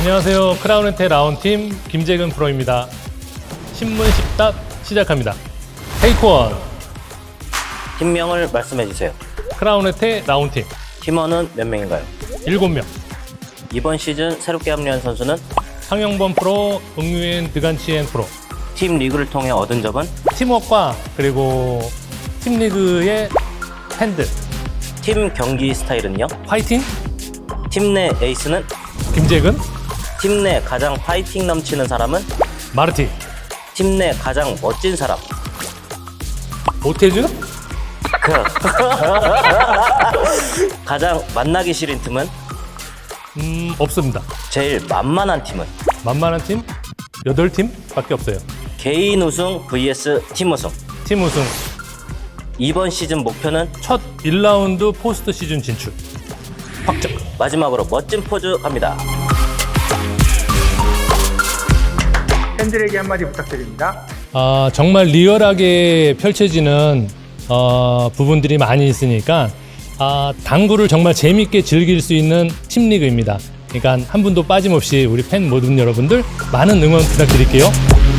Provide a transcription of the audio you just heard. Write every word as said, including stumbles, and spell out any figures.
안녕하세요. 크라운앤테 라운팀 김재근 프로입니다. 신문 십답 시작합니다. 테이크 원. 팀명을 말씀해 주세요. 크라운앤테 라운팀 팀원은 몇 명인가요? 일곱 명. 이번 시즌 새롭게 합류한 선수는 상영범 프로, 응유엔 드간치엔 프로. 팀 리그를 통해 얻은 점은 팀워크와 그리고 팀리그의 팬들. 팀 경기 스타일은요? 화이팅! 팀 내 에이스는? 김재근, 팀 내 가장 파이팅 넘치는 사람은? 마르티, 팀 내 가장 멋진 사람? 오태준, 가장 만나기 싫은 팀은? 음, 없습니다. 제일 만만한 팀은? 만만한 팀 여덟 팀밖에 없어요. 개인 우승 vs 팀 우승. 팀 우승, 이번 시즌 목표는? 첫 일 라운드 포스트 시즌 진출. 확정. 마지막으로 멋진 포즈 갑니다. 팬들에게 한마디 부탁드립니다. 아, 정말 리얼하게 펼쳐지는 어, 부분들이 많이 있으니까 아, 당구를 정말 재밌게 즐길 수 있는 팀리그입니다. 그러니까 한 분도 빠짐없이 우리 팬 모든 여러분들 많은 응원 부탁드릴게요.